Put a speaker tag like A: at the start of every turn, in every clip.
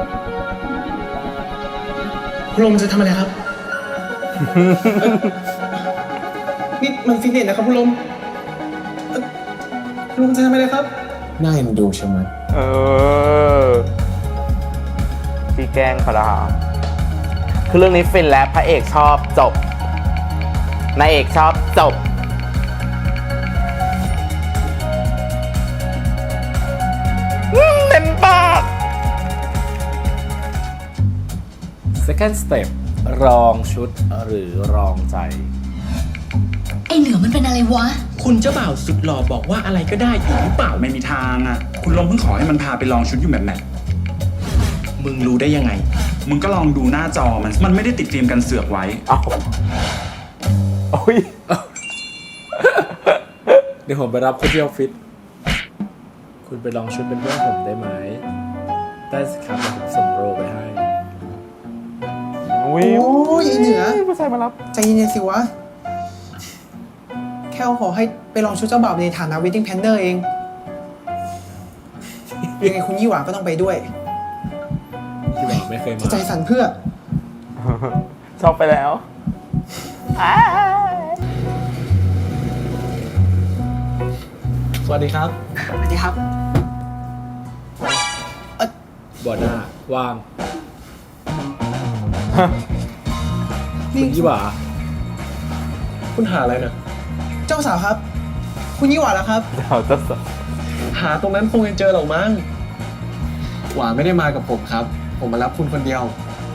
A: คุณลมจะทำอะไรครับ นี่มันฟิตเนสนะครับคุณลมคุณลมจะทำอะไรครับน่าเอ็นดูใช่ไหม
B: พี่แกล้งเขาละคือเรื่องนี้ฟินแล้วพระเอกชอบจบนายเอกชอบจบเต็มปาก
C: second step รองชุดหรือรองใจ
D: ไอเหนือมันเป็นอะไรวะ
A: คุณเจ้าบ่าวสุดหล่อบอกว่าอะไรก็ได้อยู่หรือเปล่า
E: ไม่มีทางอ่ะ คุณลมเพิ่งขอให้มันพาไปลองชุดอยู่แบบไหน
A: มึงรู้ได้ยังไง
E: มึงก็ลองดูหน้าจอมันไม่ได้ติดฟิล์มกันเสือกไว้
B: เอาโอ้ย
C: เดี๋ยวผมไปรับคุณที่ออฟฟิศคุณไปลองชุดเป็นเพื่อนผมได้ไหมได้สิครับผมส่งโรไปให้
B: วิว
A: โอ้ยไอ้เหนือ
B: ผู้ชายมารับ
A: ใจเย็นๆสิวะ แค่ขอให้ไปลองชุดเจ้าบ่าวในฐานะ wedding planner เอง ยังไงคุณยี่หวาก็ต้องไปด้วย
C: ที่บอกไม่เคยมา
A: ใจสั่นเพื่อ
B: ชอบไปแล้ว
A: สวัสดีครับ สวัสดีครับ
C: บอหน้าว่าง
A: นี่
C: คุณยี่หว่า
A: คุณหาอะไรนะเจ้าสาวครับ คุณยี่หวาแล้วครับ
B: เดี๋ยวจะส
A: หาตรงนั้นคงยังเจอหรอกมั้งหวาไม่ได้มากับผมครับ ผมมารับคุณคนเดียว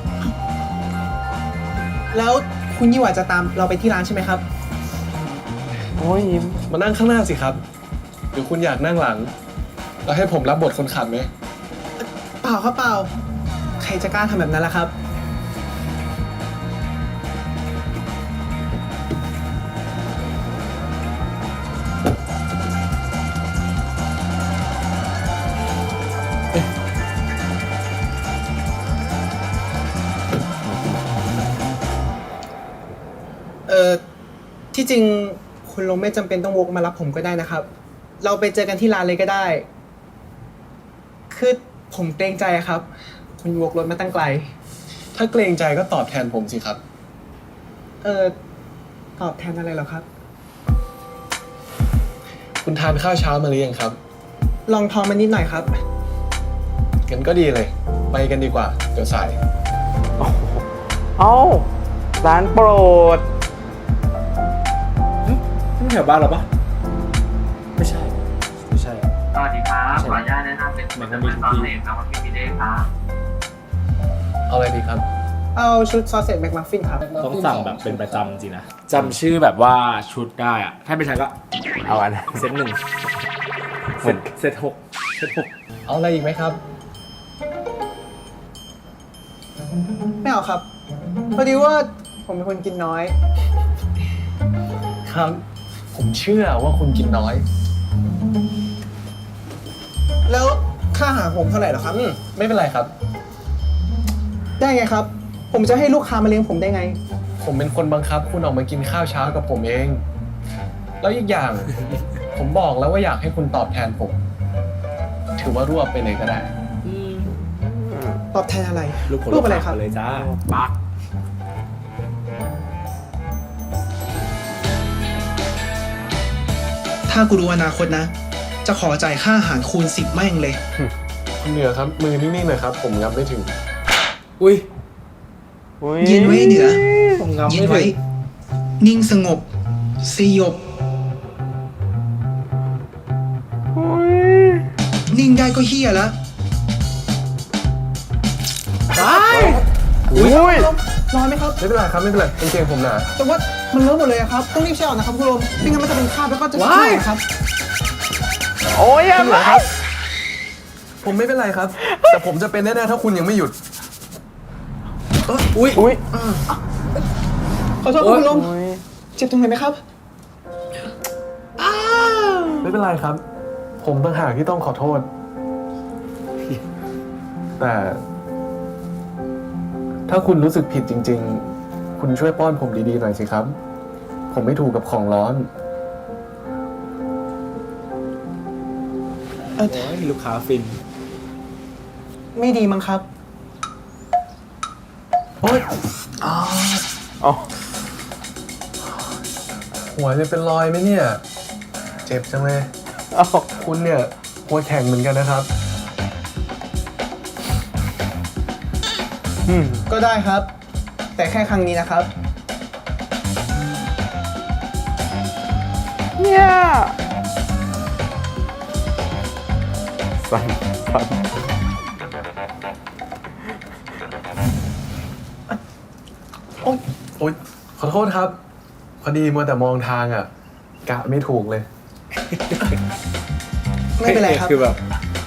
A: แล้วคุณยี่หวาจะตามเราไปที่ร้านใช่ไหมครับ
B: โอ้ยยิ้ม
A: มานั่งข้างหน้าสิครับหรือคุณอยากนั่งหลัง แล้วให้ผมรับบทคนขับไหมเปล่าครับเปล่า ใครจะกล้าทำแบบนั้นล่ะครับ ที่จริงคุณลงไม่จำเป็นต้องวกมารับผมก็ได้นะครับ เราไปเจอกันที่ร้านเลยก็ได้ คือผมเกรงใจครับ คุณวกรถมาตั้งไกล ถ้าเกรงใจก็ตอบแทนผมสิครับ ตอบแทนอะไรเหรอครับ คุณทานข้าวเช้ามาหรือยังครับ ลองท้องมานิดหน่อยครับงั้นก็ดีเลย ไปกันดีกว่า เดี๋ยวสาย
B: เอ้าร้านโปรด
C: นี่แถวบ้านเราปะไม่ใช่ ไม่ใช่
F: สวัสดีครับ ขออนุญาตแนะนำเป็นผลิตภัณฑ์ซอสเล็กนะครับพี่เด้ครับ
A: เอาอะไรดีครับ เอาชุดซอสเสร็จแมคมัฟฟินครับ
C: ต้องสั่งแบบเป็นประจำจริงนะจำชื่อแบบว่าชุดได้อะถ้าไม่ใช่ก็
B: เอาอันนั้น
C: เซตหนึ่งเซตหกเซตหก
A: เอาอะไรอีกไหมครับ ไม่เอาครับ พอดีว่าผมเป็นคนกินน้อย ครับ ผมเชื่อว่าคุณกินน้อย แล้วค่าอาหารผมเท่าไหร่เหรอครับไม่เป็นไรครับ ได้ไงครับ ผมจะให้ลูกค้ามาเลี้ยงผมได้ไง ผมเป็นคนบังคับ คุณออกมากินข้าวเช้ากับผมเอง แล้วอีกอย่าง ผมบอกแล้วว่าอยากให้คุณตอบแทนผม ถือว่ารวบไปเลยก็ได้ ตอบแทนอะไร
C: รูปอะไรครับเลยจ้าปัก
A: ถ้ากูรู้อนาคตนะ จะขอจ่ายค่าอาหารคูณ10แม่งเลย คุณเหนือครับ มือนิ่งๆหน่อยครับ ผมงับไม่ถึง
C: อุ้ย
A: เย็นไว้เหนือ
C: ผมงำ
A: เย็
C: ไม่
A: น
C: ถึ
A: ไว้
C: ง
A: นิ่งสงบสยบ นิ่งได้ก็เฮียแล้ว
B: อุ้ย
A: ร้อนไหมครับ ไม่เป็นไรครับ ไม่เป็นไรกางเกงผมหนาแต่ว่ามันเลอะหมดเลยอะครับ ต้องรีบแช่ออกนะครับคุณลมไม่งั้นมันจะเป็นคราบแล้วก็จะช้ำนะครับ
B: โอ้ยยังไง
A: ผมไม่เป็นไรครับ แต่ผมจะเป็นแน่ๆถ้าคุณยังไม่หยุด
C: อุ้ย
B: อุ้ย
A: ขอโทษครับคุณลมเจ็บตรงไหนไหมครับ ไม่เป็นไรครับ ผมต่างหากที่ต้องขอโทษ แต่ ถ้าคุณรู้สึกผิดจริงๆ คุณช่วยป้อนผมดีๆหน่อยสิครับ ผมไม่ถูกกับของร้อน
C: โอ้ยลูกค้าฟิน
A: ไม่ดีมั้งครับโอ๊ย
B: อ๋อ
A: หัวจะเป็นรอยไหมเนี่ย เจ็บจังเลย
B: เอ้า
A: คุณเนี่ยหัวแข็งเหมือนกันนะครับ ก็ได้ครับ แต่แค่ครั้งนี้นะครับ
B: เนี่ยสั่น
A: โอ๊ยขอโทษครับ พอดีมัวแต่มองทางอ่ะ กะไม่ถูกเลย ไม่เป็นไรครับ
C: คือแบบ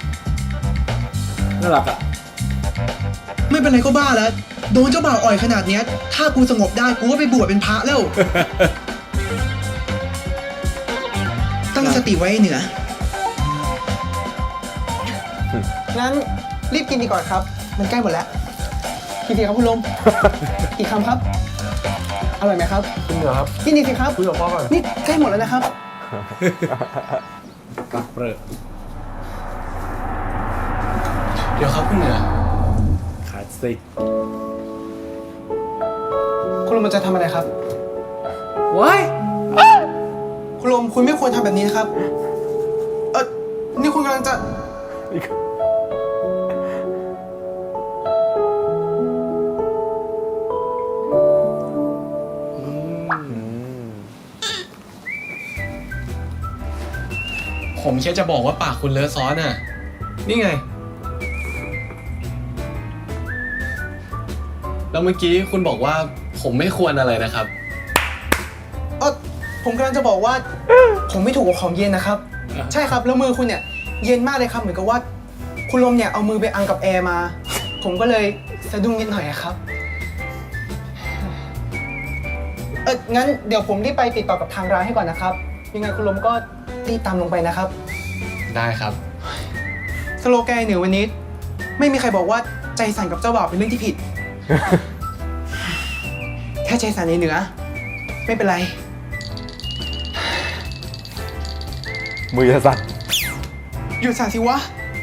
C: น่ารักอ่ะ
A: ไม่เป็นไรก็บ้าแล้ว โดนเจ้าบ่าวอ่อยขนาดเนี้ย ถ้ากูสงบได้กูก็ไปบวชเป็นพระแล้ว ตั้งสติไว้เหนือ งั้นรีบกินดีก่อนครับ มันใกล้หมดแล้วกินดีครับคุณลม อีกคำครับ อร่อยไหมครับคุณเหนือครับกินดีสิครับคุยกับพ่อก่อนนี่ใกล้หมดแล้วนะครับ
C: ปักเปรอะ
A: เดี๋ยวครับคุณเหนือ
C: คลาสสิก
A: คุณลมมันจะทำอะไรครับ
C: ว้าย
A: คุณลมคุณไม่ควรทำแบบนี้นะครับ นี่คุณกำลังจะ ผมแค่จะบอกว่าปากคุณเลอะซอสน่ะ นี่ไง แล้วเมื่อกี้คุณบอกว่าผมไม่ควรอะไรนะครับ ผมกำลังจะบอกว่า ผมไม่ถูกกับของเย็นนะครับ ใช่ครับ แล้วมือคุณเนี่ย เย็นมากเลยครับ เหมือนกับว่า คุณลมเนี่ยเอามือไปอังกับแอร์มา ผมก็เลยสะดุ้งนิดหน่อยอะครับ งั้นเดี๋ยวผมรีบไปติดต่อกับทางร้านให้ก่อนนะครับ ยังไงคุณลมก็รีบตามลงไปนะครับ ได้ครับ สโลแกนเหนือวันนี้ ไม่มีใครบอกว่าใจสั่นกับเจ้าบ่าวเป็นเรื่องที่ผิด แค่ใจสั่นเหนือไม่เป็นไร
B: มือจะสั่น
A: หยุดสั่นสิวะ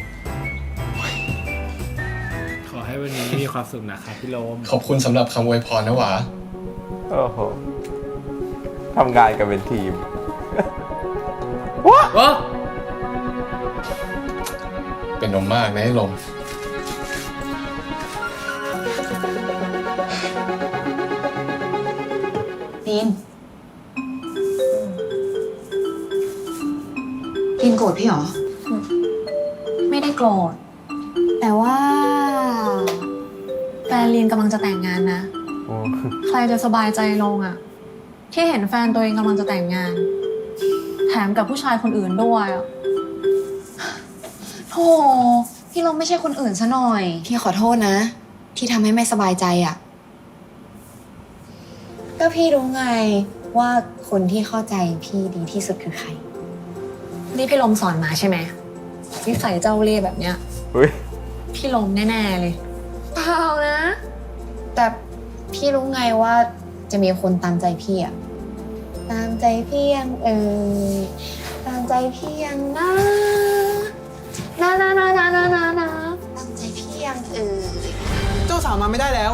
C: ขอให้วันนี้มีความสุขนะครับพี่โลม
A: ขอบคุณสำหรับคำอวยพรนะหวา
B: โอ้โหทำงานกันเป็นทีม
C: โอ้
A: เป็นนมมากนะไอ้ลม
D: ตีนตีนโกรธพี่เหรอ
G: ไม่ได้โกรธ แต่ว่าแฟนลีนกำลังจะแต่งงานนะ
B: โอ้
G: ใครจะสบายใจลงอะที่เห็นแฟนตัวเองกำลังจะแต่งงาน แถมกับผู้ชายคนอื่นด้วยอะโธ่พี่ลมไม่ใช่คนอื่นซะหน่อย
D: พี่ขอโทษนะ ที่ทำให้ไม่สบายใจอ่ะ ก็พี่รู้ไงว่าคนที่เข้าใจพี่ดีที่สุดคือใคร
G: นี่พี่ลมสอนมาใช่ไหมนิสัยเจ้าเล่ห์แบบเนี้ย
B: เฮ้ย
G: พี่ลมแน่ๆเลยเปล่านะ
D: แต่พี่รู้ไงว่าจะมีคนตามใจพี่อ่ะ ตามใจพี่ยังตามใจพี่ยังนะตามใจพี่ยัง
A: เจ้าสาวมาไม่ได้แล้ว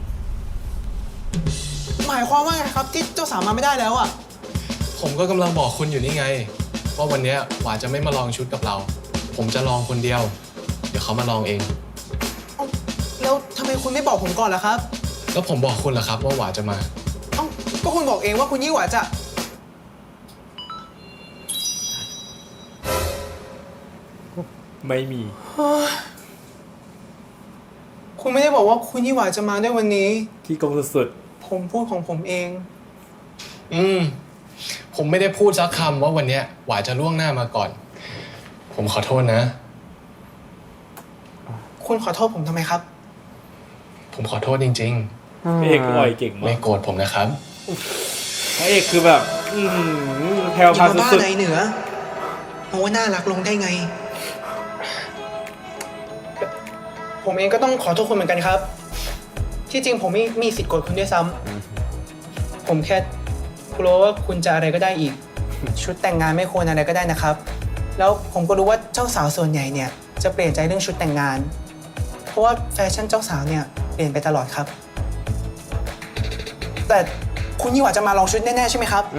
A: หมายความว่าไงครับที่เจ้าสาวมาไม่ได้แล้วอ่ะ ผมก็กำลังบอกคุณอยู่นี่ไง ว่าวันเนี้ยหวาจะไม่มาลองชุดกับเรา ผมจะลองคนเดียว เดี๋ยวเขามาลองเอง แล้วทำไมคุณไม่บอกผมก่อนล่ะครับ แล้วผมบอกคุณเหรอครับว่าหวาจะมา ก็คุณบอกเองว่าคุณยี่หวาจะ
C: ไม่มี
A: คุณไม่ได้บอกว่าคุณยี่หวาจะมาด้วยวันนี้
C: ที่กงสุด
A: ผมพูดของผมเอง ผมไม่ได้พูดสักคำว่าวันเนี้ยหวาจะล่วงหน้ามาก่อน ผมขอโทษนะ คุณขอโทษผมทำไมครับ ผมขอโทษจริง
C: ๆพระเอกอ่อยเก่ง
A: ๆ
C: มา
A: ไม่
C: ก
A: โกรธผมนะครับ
C: พระเอกคือแบบแพรวพราวสุด
A: เหนือเพราะว่าน่ารักลงได้ไง ผมเองก็ต้องขอโทษคุณเหมือนกันครับ ที่จริงผมไม่มีสิทธิ์โกรธคุณด้วยซ้ำผมแค่กลัวว่าคุณจะอะไรก็ได้อีก ชุดแต่งงานไม่ควรอะไรก็ได้นะครับ แล้วผมก็รู้ว่าเจ้าสาวส่วนใหญ่เนี่ยจะเปลี่ยนใจเรื่องชุดแต่งงาน เพราะว่าแฟชั่นเจ้าสาวเนี่ยเปลี่ยนไปตลอดครับแต่คุณยี่หว่าจะมาลองชุดแน่ๆใช่ไหมครับ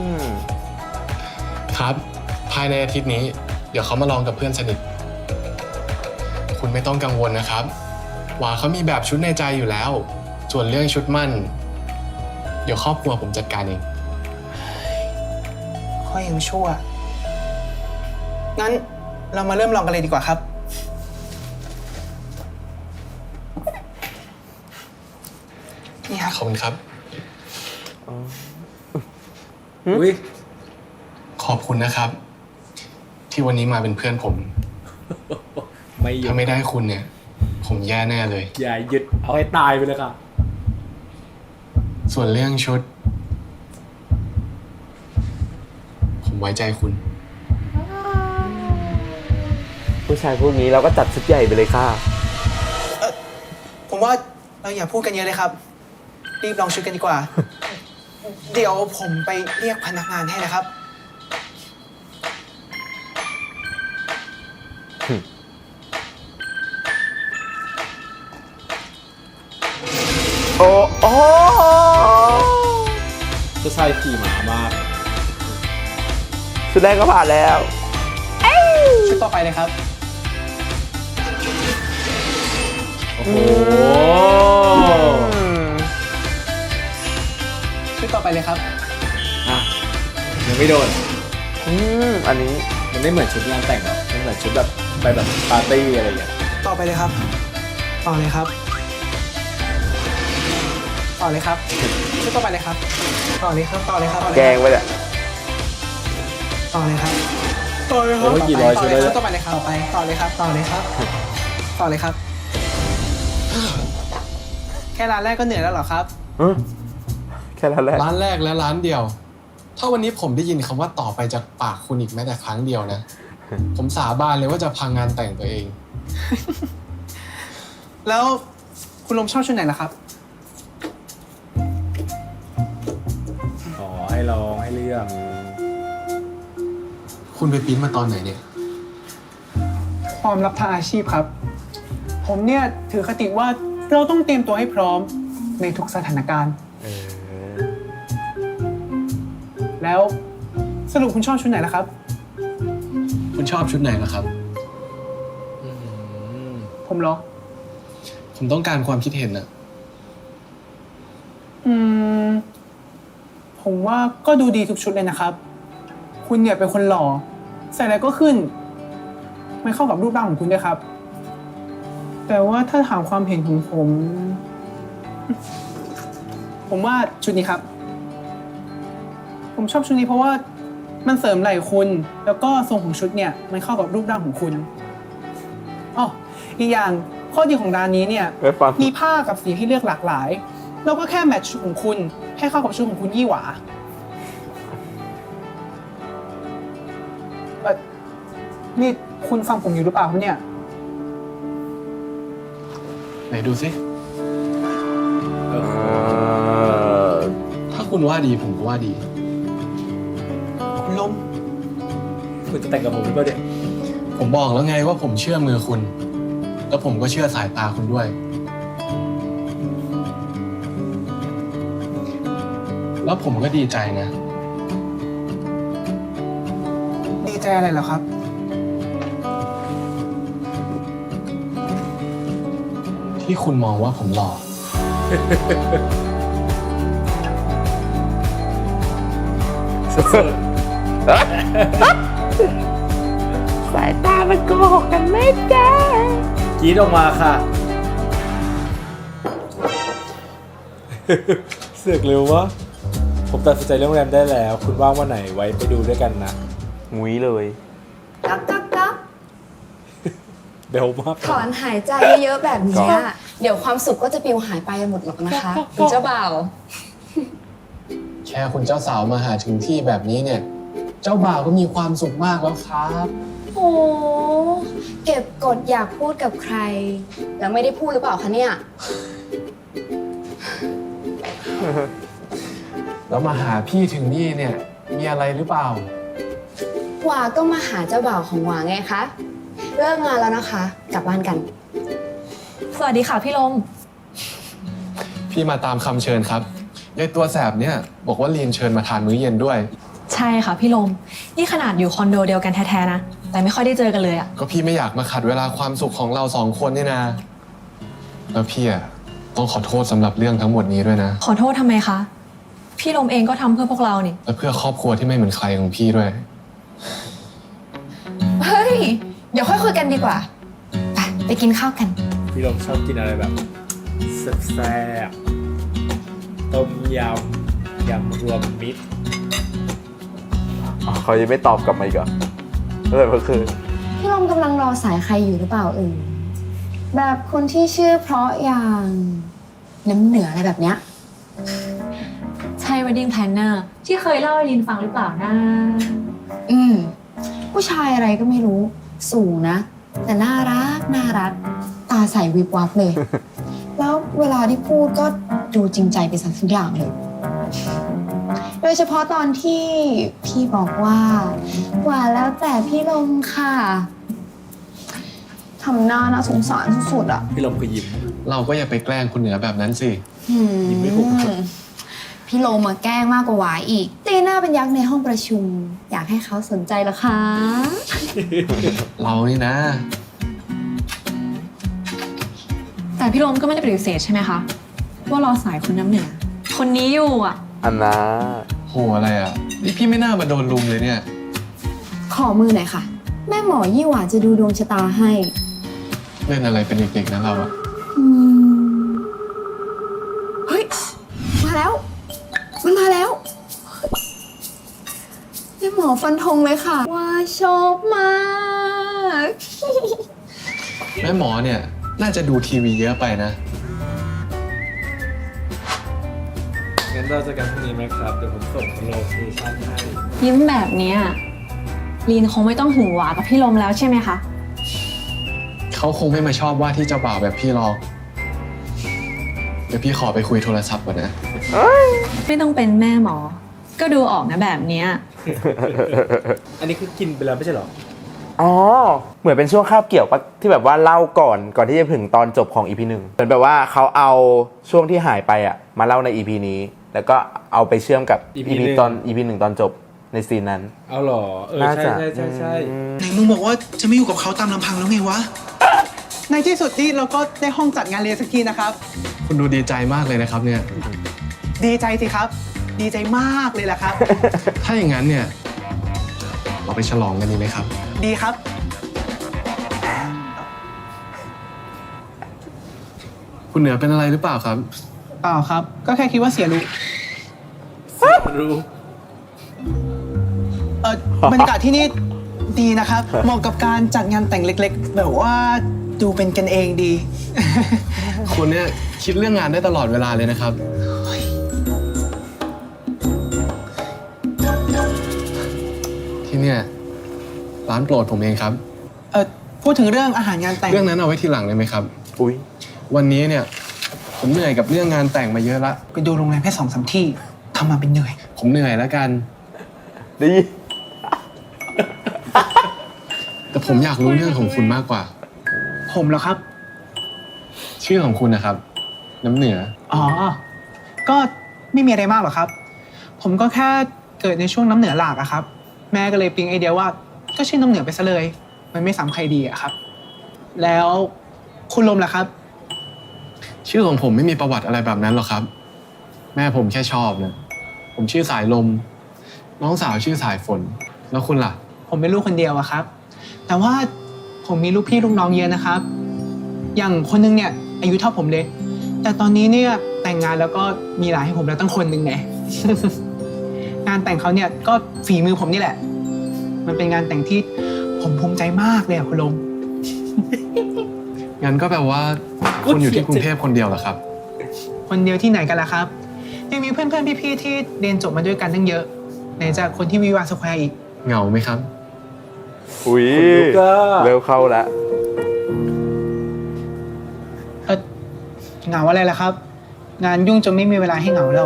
H: ครับ ภายในอาทิตย์นี้ เดี๋ยวเขามาลองกับเพื่อนสนิท คุณไม่ต้องกังวลนะครับหวาเขามีแบบชุดในใจอยู่แล้ว ส่วนเรื่องชุดมั่น เดี๋ยวครอบครัวผมจัดการเอง
A: ข้อยังชั่ว งั้นเรามาเริ่มลองกันเลยดีกว่าครับ นี่ครับ
H: ขอบคุณครับ
C: อุ้ย
H: ขอบคุณนะครับ ที่วันนี้มาเป็นเพื่อนผม
C: ไม่หยุด
H: ถ้าไม่ได้คุณเนี่ย ผมแย่แน่เลย
C: อย่าหยุดเอาให้ตายไปเลยค่ะ
H: ส่วนเรื่องชุด ผมไว้ใจคุณ
B: ผู้ชายพวกนี้เราก็จัดชุดใหญ่ไปเลยค่ะ
A: ผมว่าเราอย่าพูดกันเยอะเลยครับ รีบลองชุดกันดีกว่า เดี๋ยวผมไปเรียกพนักงานให้นะครับ
B: โอ้โอ้
C: เจ้าชายขี่หมามาก
B: ชุดแรกก็ผ่านแล้ว
A: ชุดต่อไปเลยครับ
C: โอ้โห
A: ชุดต่อไปเลยครับ
C: อ่ะยังไม่โดน
B: อันนี้
C: มันไม่เหมือนชุดงานแต่งหรอกมันเหมือนชุดแบบไปแบบปาร์ตี้อะไรอย่างเงี้ย
A: ต่อไปเลยครับ ต่อเลยครับ ต่อเลยครับ ชุดต่อไปเลยครับ ต่อเลยครับ ต่อเลยครับ
B: แกงไปเนี่ย
A: ต่อเลยครับ ต่อเลยครับ
C: โอ้ยกี่ร้อยชุดเลย
A: ชุดต่อไปเลยครับ ต่อไป ต่อเลยครับ ต่อเลยครับ ต่อเลยครับ แค่ร้านแรกก็เหนื่อยแล้วเหรอครับ
B: แค่นั้นแหละ
H: ร้านแรกและร้านเดียว ถ้าวันนี้ผมได้ยินคำว่าต่อไปจากปากคุณอีกแม้แต่ครั้งเดียวนะ ผมสาบานเลยว่าจะพังงานแต่งตัวเอง
A: แล้วคุณลมชอบชุดไหนล่ะครับ
C: อ๋อให้ลองให้เลือก
H: คุณไปปริ้นมาตอนไหนเนี่ย
A: ความลับทางอาชีพครับ ผมเนี่ยถือคติว่าเราต้องเตรียมตัวให้พร้อมในทุกสถานการณ์ แล้วสรุปคุณชอบชุดไหนล่ะครับ
H: คุณชอบชุดไหนล่ะครับ
A: ผมเหรอ
H: ผมต้องการความคิดเห็นนะ
A: ผมว่าก็ดูดีทุกชุดเลยนะครับ คุณเนี่ยเป็นคนหล่อ ใส่อะไรก็ขึ้น ไม่เข้ากับรูปร่างของคุณด้วยครับ แต่ว่าถ้าถามความเห็นของผม ผมว่าชุดนี้ครับ ผมชอบชุดนี้เพราะว่ามันเสริมไหล่คุณ แล้วก็ทรงของชุดเนี่ยมันเข้ากับรูปร่างของคุณอ๋ออีกอย่างข้อดีของร้านนี้เนี่ย
B: ไม่ฟัง
A: มีผ้ากับสีให้เลือกหลากหลาย แล้วก็แค่แมทช์ชุดของคุณให้เข้ากับชุดของคุณยี่หวานี่คุณฟังผมอยู่หรือเปล่าครับเนี่ย
H: ไหนดูสิ ถ้าคุณว่าดีผมก็ว่าดี
A: คุณลม
C: คุณจะแต่งกับผมหรือเปล่าเนี่ย
H: ผมบอกแล้วไงว่าผมเชื่อมือคุณ แล้วผมก็เชื่อสายตาคุณด้วย แล้วผมก็ดีใจนะ
A: ดีใจอะไรเหรอครับ
H: ที่คุณมองว่าผมหล่อ
B: สายตามันโกหกกันไม่ได้
C: กรีดออกมาค่ะ เสือกเร็ววะผมตัดสินใจเรื่องโรงแรมได้แล้ว คุณว่างวันไหนไว้ไปดูด้วยกันนะ
B: มุ้ยเลย
D: กักกักกัก
C: เบลมาก
D: ถอนหายใจเยอะๆแบบเนี้ยเดี๋ยวความสุขก็จะปลิวหายไปหมดหรอกนะคะคุณเจ้าบ่าว
H: แค่คุณเจ้าสาวมาหาถึงที่แบบนี้เนี่ย เจ้าบ่าวก็มีความสุขมากแล้วครับ
D: โอ้เก็บกดอยากพูดกับใคร แล้วไม่ได้พูดหรือเปล่าคะเนี่ย
H: แล้วมาหาพี่ถึงนี่เนี่ย มีอะไรหรือเปล่า
D: หวาก็มาหาเจ้าบ่าวของหวาไงคะ เลิกงานแล้วนะคะ กลับบ้านกัน
G: สวัสดีค่ะพี่ลม
H: พี่มาตามคำเชิญครับยายตัวแสบเนี่ยบอกว่าลีนเชิญมาทานมื้อเย็นด้วย
G: ใช่ค่ะพี่ลม นี่ขนาดอยู่คอนโดเดียวกันแท้ๆนะ แต่ไม่ค่อยได้เจอกันเลยอะ
H: ก็พี่ไม่อยากมาขัดเวลาความสุขของเรา2 คนนี่นะ แล้วพี่อะต้องขอโทษสำหรับเรื่องทั้งหมดนี้ด้วยนะ
G: ขอโทษทำไมคะ พี่ลมเองก็ทำเพื่อพวกเรานี่
H: และเพื่อครอบครัวที่ไม่เหมือนใครของพี่ด้วย
D: เฮ้ย เดี๋ยวค่อยคุยกันดีกว่า ไปกินข้าวกัน
C: พี่ลมชอบกินอะไรแบบแซ่บๆต้มยำ ยำรวมมิตร
B: อ๋อเขายังไม่ตอบกลับมาอีกเหรอเลยเมื่อคืน
D: พี่ลมกำลังรอสายใครอยู่หรือเปล่าแบบคนที่ชื่อเพราะอย่างน้ำเหนืออะไรแบบเนี้ย
G: ใช่ wedding planner ที่เคยเล่าให้ลินฟังหรือเปล่านะ
D: ผู้ชายอะไรก็ไม่รู้สูงนะ แต่น่ารักตาใสวิบวับเลย แล้วเวลาที่พูดก็ดูจริงใจไปสักทุกอย่างเลย โดยเฉพาะตอนที่พี่บอกว่าแล้วแต่พี่ลมค่ะทำหน้าน่าสงสารสุดๆอ่ะ
C: พี่ลมก็ยิ้ม
H: เราก็อย่าไปแกล้งคุณเหนือแบบนั้นสิ
C: ยิ้มไม่ถูก
D: พี่โลมาแกล้งมากกว่าหวายอีกตีหน้าเป็นยักษ์ในห้องประชุม อยากให้เขาสนใจเหรอคะ
H: เรานี่นะ
G: แต่พี่ลมก็ไม่ได้ปฏิเสธใช่ไหมคะ ว่ารอสายคนน้ำเหนือ คนนี้อยู่อะ
B: อันนะ
H: โหอะไรอ่ะ นี่พี่ไม่น่ามาโดนลุมเลยเนี่ย
D: ขอมือหน่อยค่ะ แม่หมอยี่หว่าจะดูดวงชะตาให้
H: เล่นอะไรเป็นเด็กๆนะเราอะ
D: เฮ้ย มาแล้ว มันมาแล้วแม่หมอฟันธงเลยค่ะ ว่าชอบมาก
H: แม่หมอเนี่ย น่าจะดูทีวีเยอะไปนะ
C: งั้นเราจะกันพรุ่งนี้ไหมครับ เดี๋ยวผมส่งโลเคชั่นให้
G: ยิ้มแบบเนี้ยลินคงไม่ต้องหึงหวากับพี่ลมแล้วใช่ไหมคะ
H: เขาคงไม่มาชอบว่าที่เจ้าบ่าวแบบพี่หรอก เดี๋ยวพี่ขอไปคุยโทรศัพท์ก่อนนะ
G: ไม่ต้องเป็นแม่หมอ ก็ดูออกนะแบบเนี้ย
C: อันนี้คือกินไปแล้วไม่ใช่เหรอ
B: อ๋อ เหมือนเป็นช่วงคาบเกี่ยวปะที่แบบว่าเล่าก่อนที่จะถึงตอนจบของ EP 1เหมือนแบบว่าเขาเอาช่วงที่หายไปอ่ะมาเล่าใน EP นี้ แล้วก็เอาไปเชื่อมกับ
C: EP
B: EP ตอน EP 1 ตอนจบในซีนนั้น
C: เอาเหรอ
B: น่าจะ
C: ใช่
I: ไหนมึงบอกว่าจะไม่อยู่กับเขาตามลำพังแล้วไงวะ
A: ในที่สุดนี่เราก็ได้ห้องจัดงานเลี้ยงสักทีนะครับ
H: คุณดูดีใจมากเลยนะครับเนี่ย
A: ดีใจสิครับ ดีใจมากเลยแหละครับ
H: ถ้าอย่างนั้นเนี่ย เราไปฉลองกันดีไหมครับ
A: ดีครับ
H: คุณเหนือเป็นอะไรหรือเปล่าครับ
A: เปล่าครับ ก็แค่คิดว่าเสียรู้
C: รู้
A: บรรยากาศที่นี่ดีนะครับ เหมาะกับการจัดงานแต่งเล็กๆ แบบว่าดูเป็นกันเองดี
H: คุณเนี่ยคิดเรื่องงานได้ตลอดเวลาเลยนะครับ ที่เนี่ยร้านโปรดผมเองครับ
A: พูดถึงเรื่องอาหารงานแต่ง
H: เรื่องนั้นเอาไว้ทีหลังเลยไหมครับ
B: อุ้ย
H: วันนี้เนี่ยผมเหนื่อยกับเรื่องงานแต่งมาเยอะละ
A: ไปดูโรงแรมแค่2-3 ที่ทำมาเป็นเหนื่อย
H: ผมเหนื่อยแล้วกัน
B: ดี
H: แต่ผมอยากรู้เรื่องของคุณมากกว่า
A: ผมเหรอครับ
H: ชื่อของคุณนะครับ น้ำเหนือ
A: อ๋อ ก็ไม่มีอะไรมากหรอกครับ ผมก็แค่เกิดในช่วงน้ำเหนือหลากอะครับ แม่ก็เลยปิ๊งไอเดียว่าก็ชื่อน้ำเหนือไปซะเลย มันไม่ซ้ำใครดีอะครับ แล้วคุณลมล่ะครับ
H: ชื่อของผมไม่มีประวัติอะไรแบบนั้นหรอกครับ แม่ผมแค่ชอบนะผมชื่อสายลม น้องสาวชื่อสายฝน แล้วคุณล่ะ
A: ผมเป็นลูกคนเดียวอะครับ แต่ว่าผมมีลูกพี่ลูกน้องเยอะนะครับ อย่างคนนึงเนี่ยอายุเท่าผมเลย แต่ตอนนี้เนี่ยแต่งงานแล้วก็มีหลานให้ผมแล้วตั้งคนหนึ่งไง งานแต่งเขาเนี่ยก็ฝีมือผมนี่แหละ มันเป็นงานแต่งที่ผมภูมิใจมากเลยอะคุณลม
H: งั้นก็แปลว่าคุณอยู่ที่กรุงเทพคนเดียวเหรอครับ
A: คนเดียวที่ไหนกันล่ะครับ ยังมีเพื่อนๆพี่ๆที่เรียนจบมาด้วยกันตั้งเยอะไหนจะคนที่วิวาสแควร์อีก
H: เหงาไหมครับ
B: อุ้ย
C: คนลุกอะ
B: เร็วเข้าแล้ว
A: เหงาอะไรล่ะครับ งานยุ่งจนไม่มีเวลาให้เหงาแล้ว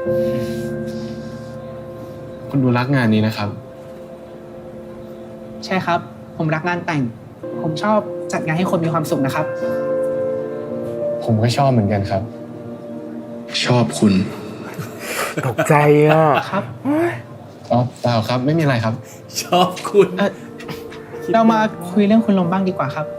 H: คุณดูรักงานนี้นะครับ
A: ใช่ครับ ผมรักงานแต่ง ผมชอบจัดงานให้คนมีความสุขนะครับ
H: ผมก็ชอบเหมือนกันครับ ชอบคุณ
B: ตกใจอ่ะ
A: ครับ
H: อ๋อเปล่าครับ ไม่มีอะไรครับ
C: ชอบคุณ
I: เรามาคุยเรื่องคุณลมบ้างดีกว่าครับ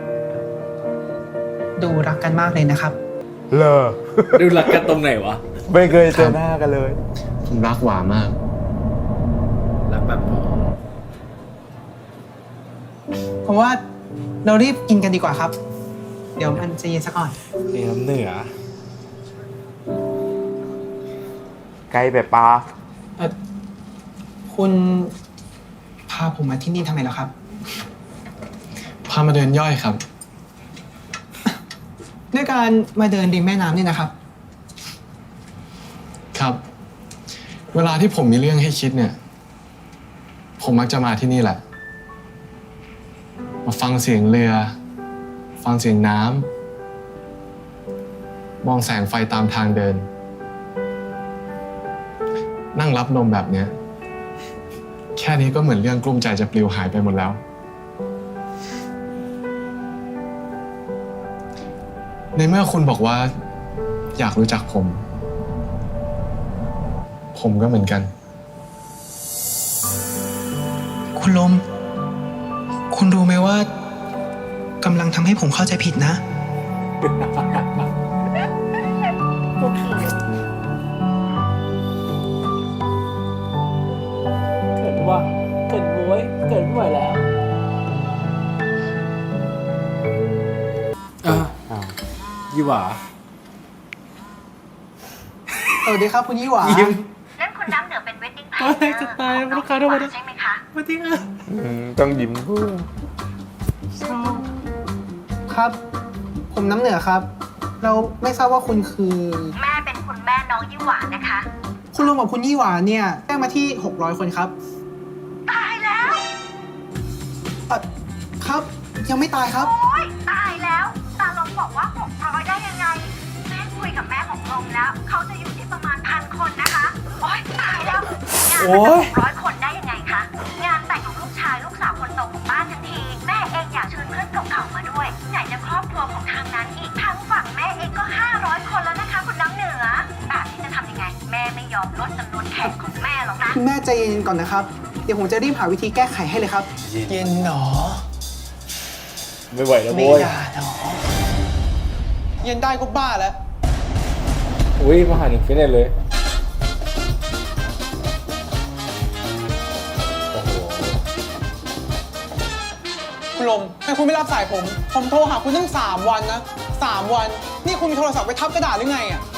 I: ดูรักกันมากเลยนะครับ
B: เลอ
C: ดูรักกันตรงไหนวะ
B: ไม่เคยเจอหน้ากันเลย
H: ผมรักหวามาก
C: รักแบบพอ
I: ผมว่าเรารีบกินกันดีกว่าครับ เดี๋ยวมันจะเย็นซะก่อน
C: นี่น้ำเหนือ
B: ไกลแบบปลา
I: คุณพาผมมาที่นี่ทำไมเหรอครับ
H: พามาเดินย่อยครับ
I: ด้วยการมาเดินริมแม่น้ำนี่นะครับ
H: ครับ เวลาที่ผมมีเรื่องให้คิดเนี่ย ผมมักจะมาที่นี่แหละ มาฟังเสียงเรือ ฟังเสียงน้ำ มองแสงไฟตามทางเดิน นั่งรับลมแบบเนี้ย แค่นี้ก็เหมือนเรื่องกลุ้มใจจะปลิวหายไปหมดแล้ว ในเมื่อคุณบอกว่า อยากรู้จักผม ผมก็เหมือนกัน
I: คุณลม คุณรู้ไหมว่ากำลังทำให้ผมเข้าใจผิดนะ
C: เกิดว่าเกิดบ้วยเกิดไม่ไหวแล้วยี่หว่า
I: สวัสดีครับคุณยี่หวา
C: ยิ้ม
J: นั่นคุณน้ำเหนือเป็นเวดดิ้งแพล
C: โอ้ยจะตายลูกค้าโทรมา
J: ใช่ไหมคะ
C: มาที่อ่ะ
B: ต้องยิ้มพูด
I: ครับ ผมน้ำเหนือครับ เราไม่ทราบว่าคุณคือ
J: แม่เป็นคุณแม่น้องยี่หวานนะคะ
I: คุณลุงกับคุณยี่หวาเนี่ยแจ้งมาที่ 600 คนครับ
J: ตายแล้ว
I: ครับ ยังไม่ตายครับ
J: โอ๊ยตายแล้วตาลงบอกว่า600ได้ยังไง แม่คุยกับแม่ของลงแล้ว เขาจะอยู่ที่ประมาณ1,000 คนนะคะ โอ๊ยตายแล้ว งานมันจะ600 คนได้ยังไงคะ งานแต่งของลูกชายลูกสาวคนโตของบ้านทั้งที แม่เองอยากเชิญเพื่อนเก่าๆมาด้วย ไหนจะครอบครัวของทางนั้นอีกทางฝั่งแม่เองก็500 คนแล้วนะคะ คุณน้ำเหนือแบบนี้จะทำยังไง แม่ไม่ยอมลดจำนวนแขกของแม่หรอกนะ
I: คุณแม่ใจเย็นก่อนนะครับ เดี๋ยวผมจะรีบหาวิธีแก้ไขให้เลยครับ เย็นหนอ
C: ไม่ไหวแล้ว
I: ไม่
C: โว้ย
I: อย่าหนอ เย็นได้ก็บ้าแล้ว
C: อุ้ยมาหาหนึ่งฟิตเนสเลยโอ้โห
I: คุณลมทำไมคุณไม่รับสายผม ผมโทรหาคุณตั้ง3 วันนะ 3 วัน นี่คุณมีโทรศัพท์ไปทับกระดาษหรือไงอ่ะ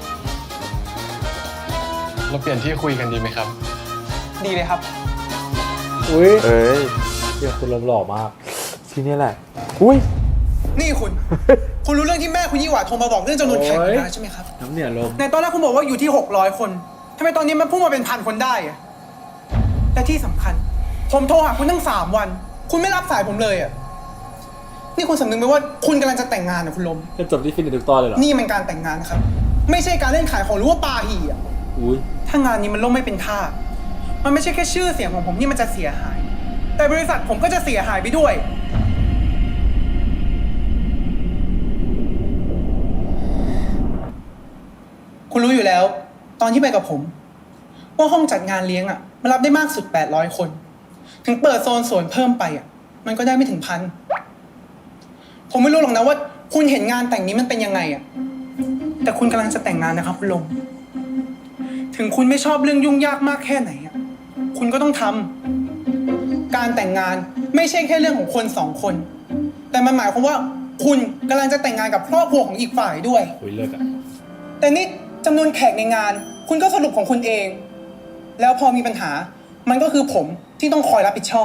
H: เราเปลี่ยนที่คุยกันดีไหมครับ
I: ดีเลยครับ
C: อุ้ย
B: เอ้ย
C: เดี๋ยวคุณลมหล่อมาก
B: ทีนี้แหละ อุ้ย
I: นี่คุณ คุณรู้เรื่องที่แม่คุณยี่หวาโทรมาบอกเรื่องจำนวนแขก
C: โอ้ย
I: นะใช่ไหมครับ
C: น้ำเหนือลม
I: ในตอนแรกคุณบอกว่าอยู่ที่ 600 คนทำไมตอนนี้มันพุ่งมาเป็น1,000 คนได้อะและที่สำคัญ ผมโทรหาคุณตั้ง3 วัน คุณไม่รับสายผมเลยอ่ะ นี่คุณสำนึกไหมว่าคุณกำลังจะแต่งงานนะคุณลม
C: จะจบที่ฟิตเนสทุกตอนเลยเหรอ
I: นี่มันการแต่งงานนะครับ ไม่ใช่การเล่นขายของหรือว่าปาหี่อ่ะ
C: อุ้ย
I: ถ้างานนี้มันล่มไม่เป็นท่า มันไม่ใช่แค่ชื่อเสียงของผมที่มันจะเสียหาย แต่บริษัทผมก็จะเสียหายไปด้วย คุณรู้อยู่แล้ว ตอนที่ไปกับผม ว่าห้องจัดงานเลี้ยงอ่ะมันรับได้มากสุด800 คน ถึงเปิดโซนสวนเพิ่มไปอ่ะมันก็ได้ไม่ถึง1,000 ผมไม่รู้หรอกนะว่าคุณเห็นงานแต่งนี้มันเป็นยังไงอ่ะแต่คุณกำลังจะแต่งงานนะครับคุณลง ถึงคุณไม่ชอบเรื่องยุ่งยากมากแค่ไหนอ่ะคุณก็ต้องทำการแต่งงานไม่ใช่แค่เรื่องของคน2 คน แต่มันหมายความว่าคุณกำลังจะแต่งงานกับครอบครัวของอีกฝ่ายด้วย
C: อุ้ยเลิศอ่ะ
I: แต่นี่จำนวนแขกในงาน คุณก็สรุปของคุณเอง แล้วพอมีปัญหา มันก็คือผมที่ต้องคอยรับผิดชอบ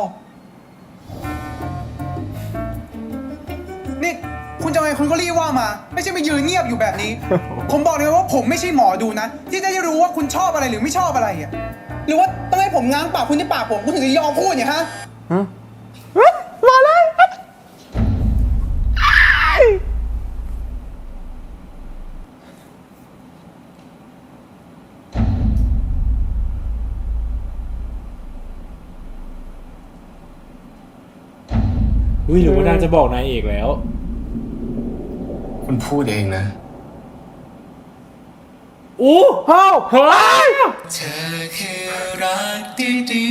I: นี่คุณจะไงคุณก็รีบว่ามา ไม่ใช่มายืนเงียบอยู่แบบนี้ ผมบอกเลยว่าผมไม่ใช่หมอดูนะ ที่จะได้รู้ว่าคุณชอบอะไรหรือไม่ชอบอะไรอ่ะหรือว่าต้องให้ผมง้างปากคุณที่ปากผมคุณถึงจะยอมพูดเนี่ยฮะ
B: มาเลย
C: อุ้ยหรือว่านางจะบอกนายเอกแล้ว
H: คุณพูดเองนะ
C: อู้เฮ้ย
H: เธอคือรักดี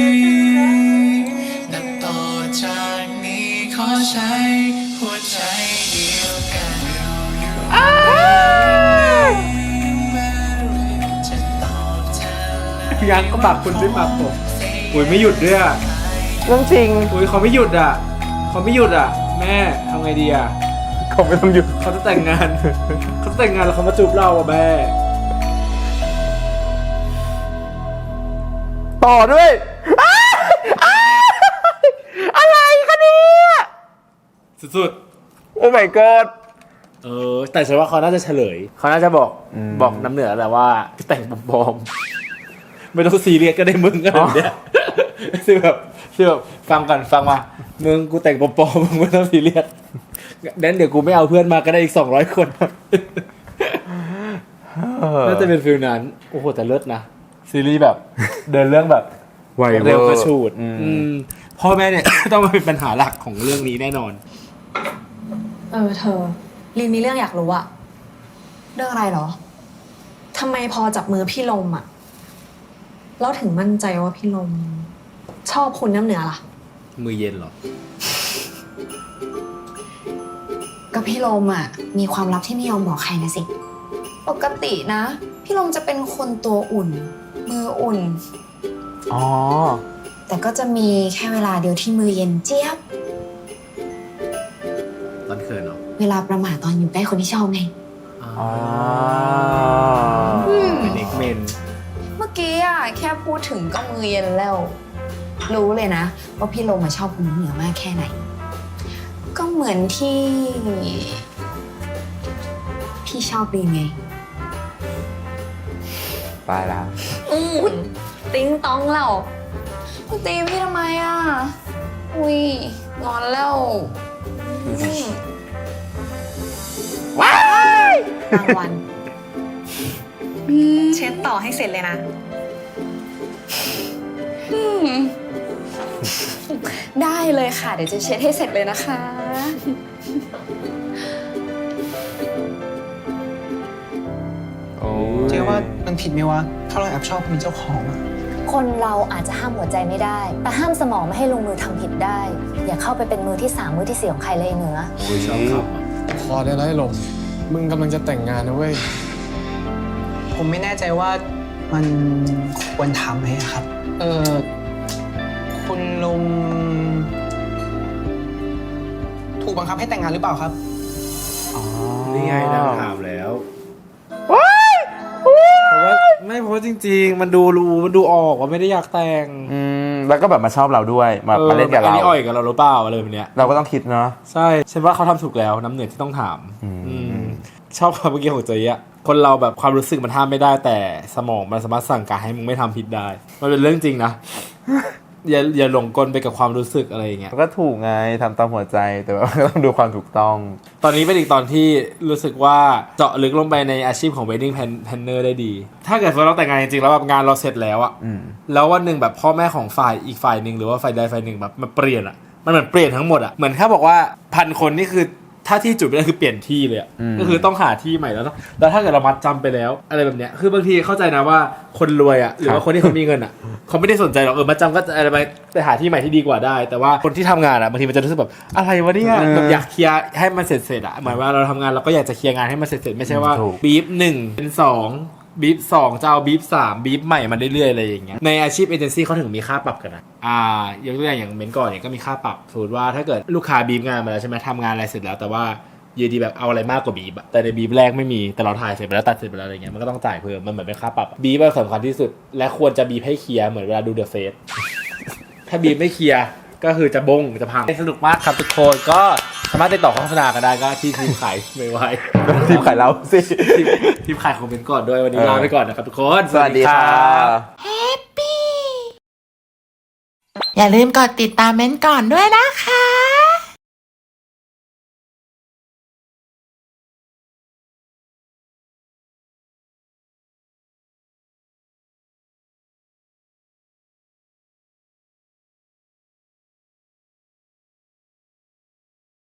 H: ๆนับต่อจากนี้ขอใช้หัวใจเดียวกันจะตอบเธอ
C: ยังก็ปากคุณด้วยปากผมอุ้ยไม่หยุดด้วยอ่ะ
B: เรื่องจริง
C: อุ้ยเขาไม่หยุดอ่ะเขาไม่หยุดอ่ะ แม่ทำไงดีอ่ะ
B: เขาไม่ต้องหยุด
C: เขาจะแต่งงาน เขาจะแต่งงานแล้วเขามาจูบเราอ่ะแม่
B: ต่อด้วยอะไรคะเนี่ย
C: สุด
B: โอ้ my god
C: ๆแต่ฉันว่าเขาน่าจะเฉลย เขาน่าจะบอกบอกน้ำเหนือแหละว่าแต่งปลอมๆไม่ต้องซีเรียสก็ได้มึงก็แบบเนี้ยคือแบบฟังกันฟังมามึงกูแต่งปลอมๆมึงไม่ต้องซีเรียสงั้นเดี๋ยวกูไม่เอาเพื่อนมาก็ได้อีก200 คนน่าจะเป็นฟิลนั้นโอ้โหแต่เลิศนะซีรีส์แบบเดินเรื่องแบบ
B: ไวเวอร์
C: เร็วกระชูด
B: อืม
C: พ่อแม่เนี่ย ต้องมาเป็นปัญหาหลักของเรื่องนี้แน่นอน
G: เธอลินมีเรื่องอยากรู้อะ
D: เรื่องอะไรเหรอ
G: ทำไมพอจับมือพี่ลมอะแล้วถึงมั่นใจว่าพี่ลม ชอบคุณน้ำเหนือล่ะ
C: มือเย็นเหรอ
D: ก็พี่ลมอ่ะมีความลับที่ไม่ยอมบอกใครนะสิ ปกตินะ พี่ลมจะเป็นคนตัวอุ่น มืออุ่น
B: อ๋อ
D: แต่ก็จะมีแค่เวลาเดียวที่มือเย็นเจี๊ยบ
C: ตอนเขินเหรอ
D: เวลาประหม่าตอนอยู่ใกล้คนที่ชอบไง
B: อ๋อ
C: เป็นเด็กเมน
D: เมื่อกี้อ่ะแค่พูดถึงก็มือเย็นแล้ว รู้เลยนะว่าพี่ลมมาชอบคุณเหนือมากแค่ไหน ก็เหมือนที่พี่ชอบลีนไง
B: ตายแล้ว
D: ติ้งต้องแล้วตีพี่ทำไมอ่ะ อุ้ยงอนแล้วว้ายกลางวัน
G: เช็ดต่อให้เสร็จเลยนะ
D: ได้เลยค่ะ เดี๋ยวจะเช็ดให้เสร็จเลยนะคะ
I: เจ๊ว่ามันผิดไหมวะ ถ้าเราแอบชอบคนเป็นเจ้าของอะ
K: คนเราอาจจะห้ามหัวใจไม่ได้ แต่ห้ามสมองไม่ให้ลงมือทำผิดได้ อย่าเข้าไปเป็นมือที่3มือที่4ของใครเลยเหนือ
C: โอ้ยชอบครับ
H: พอได้แล้วไอ้ลมมึงกำลังจะแต่งงานนะเว้ย
I: ผมไม่แน่ใจว่ามันควรทำไหมอะครับ คุณลุงถูกบังคับให้แต่งงานหรือเปล่าครับ
C: นี่ไงนางถามแล้วเพราะว่าเพราะว่าจริงๆ มันดูออกว่าไม่ได้อยากแต่ง
B: แล้วก็แบบมาชอบเราด้วยมาเล่นกับเรา
C: อันนี้อ่อยกับเราหรือเปล่าอะไรแบบเนี้ย
B: เราก็ต้องคิดเนาะ
C: ใช่ฉันว่าเขาทำถูกแล้วน้ำเหนือที่ต้องถามชอบคำเมื่อกี้ของเจ๊อะคนเราแบบความรู้สึกมันห้ามไม่ได้แต่สมองมันสามารถสั่งการให้มึงไม่ทำผิดได้ มันเป็นเรื่องจริงนะ อย่าหลงกลไปกับความรู้สึกอะไรอย่างเงี้ย
B: ก็ถูกไงทำตามหัวใจแต่ว่าก็ต้องดูความถูกต้อง
C: ตอนนี้เป็นอีกตอนที่รู้สึกว่าเจาะลึกลงไปในอาชีพของ wedding planner ได้ดี ถ้าเกิดเราแต่งงานจริงๆแล้วแบบงานเราเสร็จแล้วอะแล้ววันหนึ่งแบบพ่อแม่ของฝ่ายอีกฝ่ายหนึ่งหรือว่าฝ่ายใดฝ่ายหนึ่งแบบมันเปลี่ยนอะมันเหมือนเปลี่ยนทั้งหมดอะเหมือนแค่บอกว่า1,000 คนนี่คือถ้าที่จุดไม่ได้คือเปลี่ยนที่เลยอะก็คือต้องหาที่ใหม่แล้วถ้าเกิดเรามัดจำไปแล้วอะไรแบบเนี้ยคือบางทีเข้าใจนะว่าคนรวยอะหรือว่าคนที่เขามีเงินอะเขาไม่ได้สนใจหรอกมัดจำก็อะไรไปหาที่ใหม่ที่ดีกว่าได้แต่ว่าคนที่ทำงานอะบางทีมันจะรู้สึกแบบอะไรวะเนี่ยแบบอยากเคลียร์ให้มันเสร็จอะเหมือนว่าเราทำงานเราก็อยากจะเคลียร์งานให้มันเสร็จไม่ใช่ว่าบีฟ1เป็น2บีฟ2จะเอาบีฟ3บีฟใหม่มาเรื่อยๆอะไรอย่างเงี้ยในอาชีพเอเจนซี่เขาถึงมีค่าปรับกันนะยกตัวอย่างเม้นก่อนเนี่ยก็มีค่าปรับสมมติว่าถ้าเกิดลูกค้าบีฟงานมาแล้วใช่ไหมทำงานอะไรเสร็จแล้วแต่ว่ายืนดีแบบเอาอะไรมากกว่าบีบแต่ในบีบแรกไม่มีแต่เราถ่ายเสร็จไปแล้วตัดเสร็จไปแล้วอะไรเงี้ยมันก็ต้องจ่ายเพิ่มมันเหมือนเป็นค่าปรับบีบสำคัญที่สุดและควรจะบีบให้เคลียร์เหมือนเวลาดูเดอะเฟสถ้าบีบไม่เคลียร์ก็คือจะบงจะพังสนุกมากครับทุกคนก็สามารถติดต่อโฆษณากันได้ก็ที่ทีมขายไม่ไหว
B: ทีมขายเราสิ
C: ทีมขายของเป็นก่อนด้วยวันนี้ลาไปก่อนนะครับทุกคน
B: สวัสดีค่ะ
L: อย่าลืมกดติดตามเม้นก่อนด้วยนะคะ